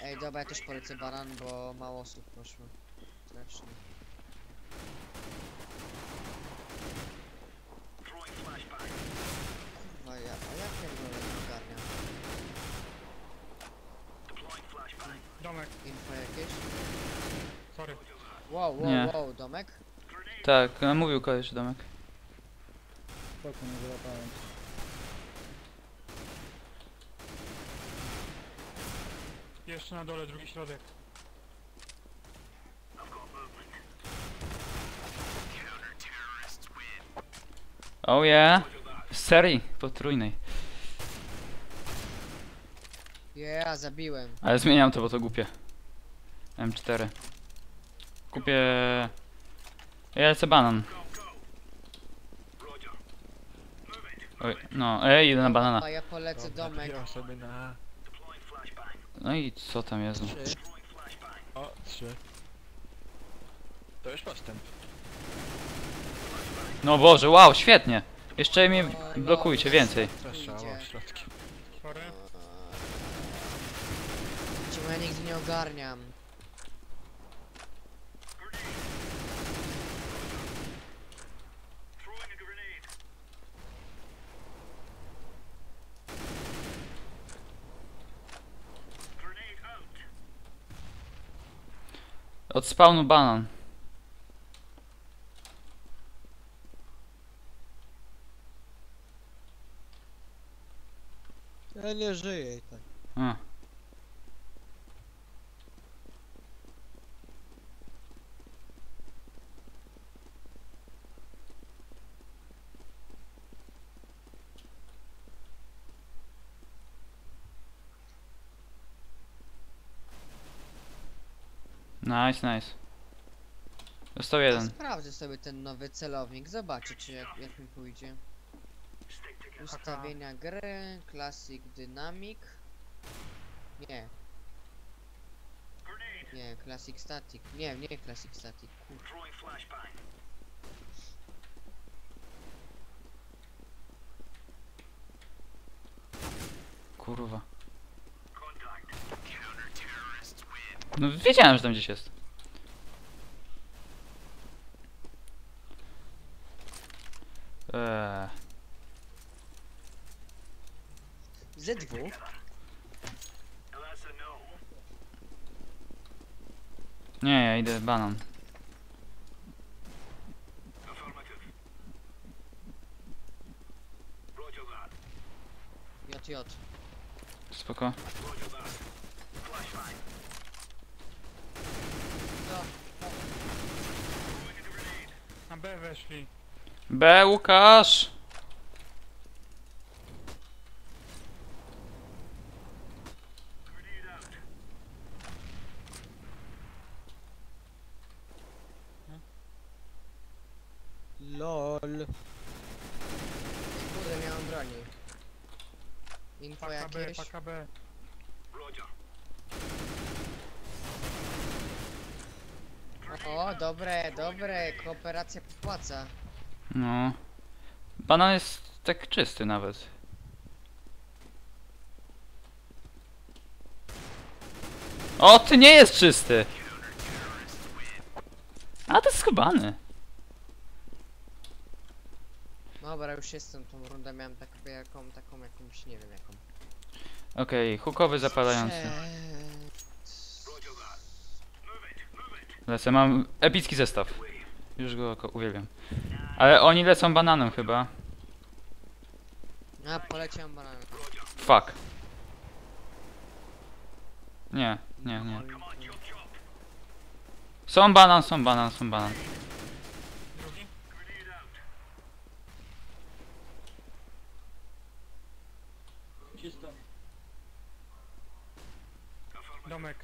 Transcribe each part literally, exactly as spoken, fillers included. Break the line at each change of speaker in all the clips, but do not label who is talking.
Ej, dobra, ja też polecę banan, bo mało osób poszło. Strasznie. Kurwa, ja, a ja pierdolę nie ogarniam.
Domek,
Info jakieś?
sorry.
Wow, wow,
Nie.
wow, domek?
Tak, no, mówił koleś domek.
Spoko, nie wyłapałem.
Jeszcze na dole, drugi środek.
Oh yeah. Z serii potrójnej.
Yeah, zabiłem.
Ale zmieniam to, bo to głupie. M cztery. Kupię... Ja lecę banan. Oj, no, ej, idę na banana.
A ja polecę domek.
Ja sobie na...
No i co tam jest?
Trzy. O, trzy. To już postęp.
No Boże, wow, świetnie. Jeszcze mnie blokujcie więcej.
Przeszało środki.
Sorry.
Czemu ja nigdy nie ogarniam?
Od spawnu banan.
Ja nie żyję i tak.
A. Nice, nice. Został
Ja
jeden.
sprawdzę sobie ten nowy celownik, zobaczę czy jak, jak mi pójdzie. Ustawienia gry, Classic Dynamic. Nie. Nie, Classic Static. Nie, nie Classic Static. Kur...
Kurwa. No wiedziałem, że tam gdzieś jest. Eee.
Z dwa?
Nie, ja idę banan.
J J.
Spoko.
No,
Na B weszli.
B, Łukasz!
LOL. Ej, kurde, miałem broni. Info
Paka B,
jakieś?
paka B.
O, dobre, dobre, kooperacja popłaca.
No. Banan jest tak czysty nawet. O, ty nie jest czysty! A, to jest skubany.
Dobra, już jestem, tą rundę miałem tak, jaką, taką jakąś, nie wiem jaką.
Okej, hukowy zapalający.
Eee,
Lecę, mam epicki zestaw. Już go ko- uwielbiam. Ale oni lecą bananem chyba.
A, poleciałem bananem.
Fuck. Nie, nie, nie. Są banan, są banan, są banan.
Drugi.
Czysto.
Domek.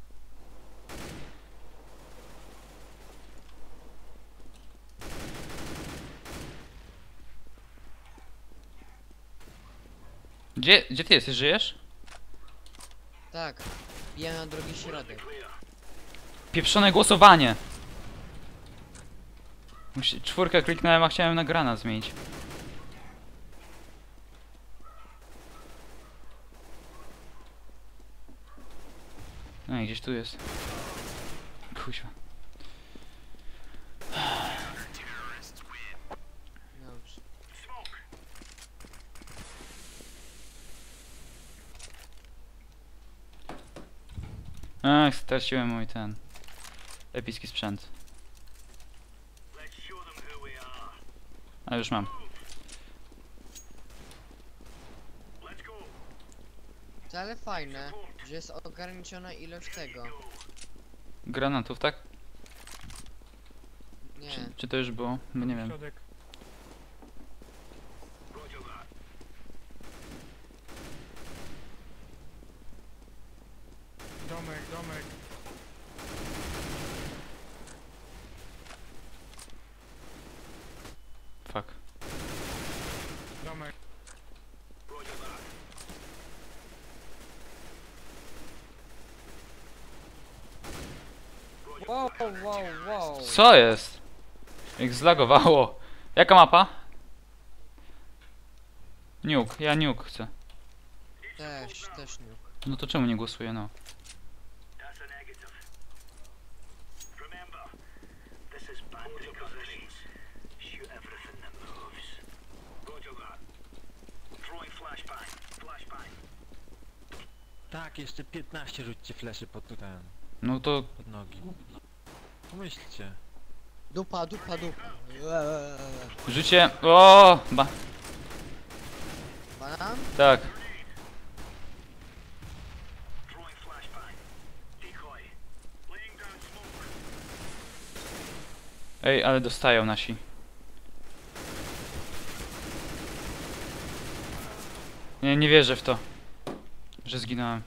Gdzie, gdzie ty jesteś? Żyjesz?
Tak, ja na drugi środek.
Pieprzone głosowanie! Musi, czwórkę kliknąłem, a chciałem na granat zmienić. No i gdzieś tu jest. Kuźwa.
Dobrze.
Ach, straciłem mój ten epicki sprzęt. A już mam.
To ale fajne, że jest ograniczona ilość tego.
Granatów, tak?
Nie.
Czy, czy to już było? Bo nie wiem.
Środek. Domek, domek.
Fuck.
Domek.
Wow, wow, wow.
Co jest? Jak zlagowało. Jaka mapa? Nuke, ja nuke chcę.
Też, też nie.
No to czemu nie głosuję, no?
Tak, jeszcze piętnaście rzućcie fleszy pod ten,
No to
pod nogi. Pomyślcie.
Dupa, dupa, dupa. Eee.
życie. O, ba.
Banan?
Tak. Ej, ale dostają nasi. Nie, nie wierzę w to, że zginąłem.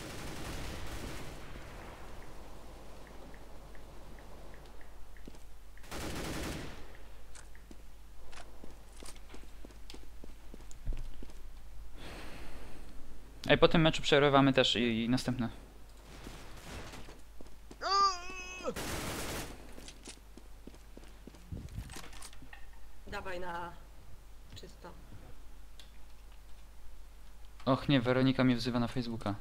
Ej, po tym meczu przerywamy też i, i następne.
Dawaj na czysto.
Och nie, Weronika mnie wzywa na Facebooka.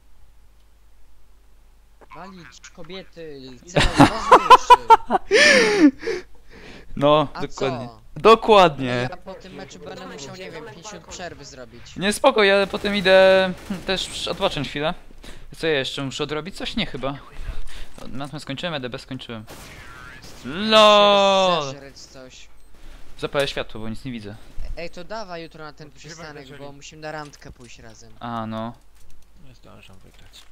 Walić kobiety, cel ważniejszy.
No,
A
dokładnie.
co?
Dokładnie.
Ja po tym meczu będę musiał, nie wiem, pięćdziesiąt przerwy zrobić.
Nie, spoko, ja potem idę też odpocząć chwilę. Co ja jeszcze muszę odrobić? Coś nie chyba. Matmę skończyłem, E D B skończyłem. LOL!
Zeżreć coś.
Zapalę światło, bo nic nie widzę.
Ej, to dawaj jutro na ten
Odkrywaj
przystanek,
jeżeli.
bo musimy na randkę pójść razem.
A no.
Nie zdążę wygrać.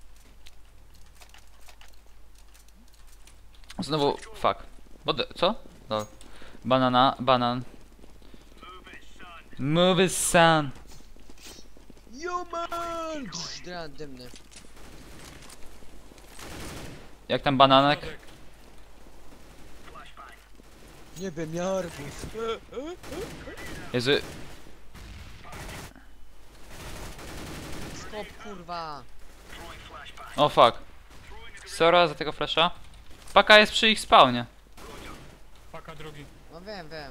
Znowu, fuck. Bode, co? No. Banana, banan. Move it, son.
Human! Dra dymny.
Jak tam bananek?
Środek.
Nie wiem, ja arbuz.
Jezu,
Skop, kurwa.
o fuck. Sora za tego flasha. Paka jest przy ich spawnie.
Paka drugi.
No wiem, wiem.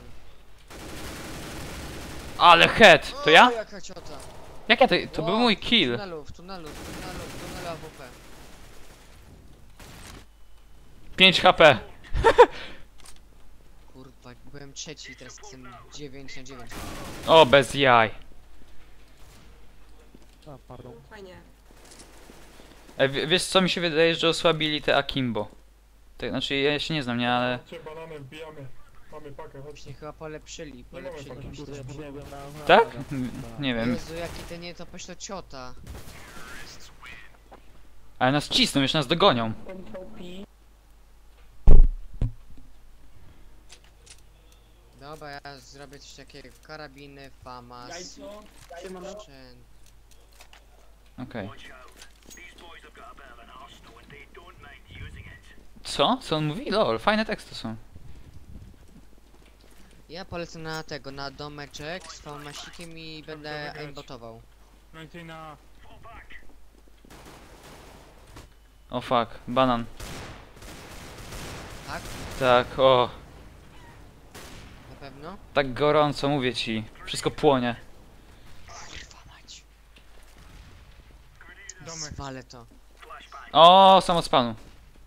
Ale head! To ja?
O, jaka ciota.
Jak ja to... To był
Wow,
mój
W
kill.
tunelu, w tunelu, w tunelu, w tunelu A W P.
pięć H P.
Kurwa, byłem trzeci, teraz jestem dziewięć na dziewięć.
O, bez jaj.
Fajnie.
E, w- wiesz co mi się wydaje, że osłabili te Akimbo. Tak, znaczy ja się nie znam, nie, ale...
Cię bananem wbijamy. Mamy pakę, chodź.
Właśnie chyba polepszyli,
Nie mamy
polepszyli.
takiej
myślę.
Tak? N- Nie wiem.
Jezu, jaki ten nie to pośle ciota.
Ale nas cisną, już nas dogonią.
Dobra, ja zrobię coś takiego. Karabiny, famas, sprzęt.
Okej. Co? Co on mówi? Lol, fajne teksty są.
Ja polecę na tego, na domeczek z famasikiem i będę
wygrać.
aimbotował.
Więcej na...
O fuck, banan.
Tak?
Tak, o.
Na pewno?
Tak gorąco, mówię ci. Wszystko płonie.
Kurwa mać.
Domek.
Zwalę to.
O, samospanu.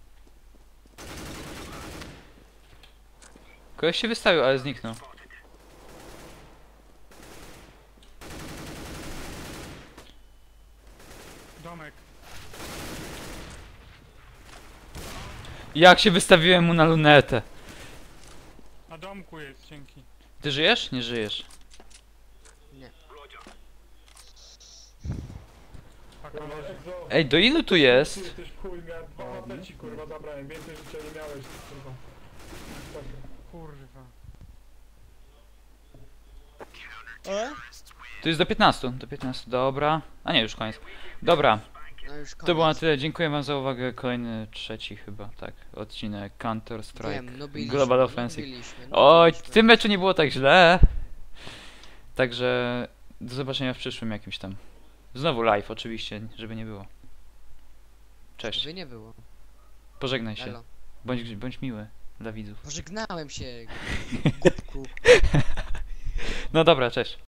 Kogoś się wystawił, ale zniknął.
Domek.
Jak się wystawiłem mu na lunetę.
Na domku jest, dzięki.
Ty żyjesz? Nie żyjesz.
Nie.
Paka Kurwa, leży. Exo.
Ej, do ilu tu jest?
Ty jesteś w chuj, miałem dwa H P ci kurwa zabrałem, więcej życia nie miałeś, kurwa. Paka. Kurwa.
E?
Tu jest do piętnastu, do piętnastu, dobra. A nie, już koniec. Dobra,
No już koniec.
to było na tyle. Dziękuję wam za uwagę. Kolejny, trzeci chyba, tak, odcinek Counter Strike
Wiem, no byliśmy,
Global
no
Offensive.
byliśmy, no
Oj, w
byliśmy.
tym meczu nie było tak źle. Także do zobaczenia w przyszłym jakimś tam. Znowu live oczywiście, żeby nie było. Cześć,
Żeby nie było.
pożegnaj się.
Elo.
Bądź, bądź miły dla widzów.
Pożegnałem się, głupku.
No dobra, cześć.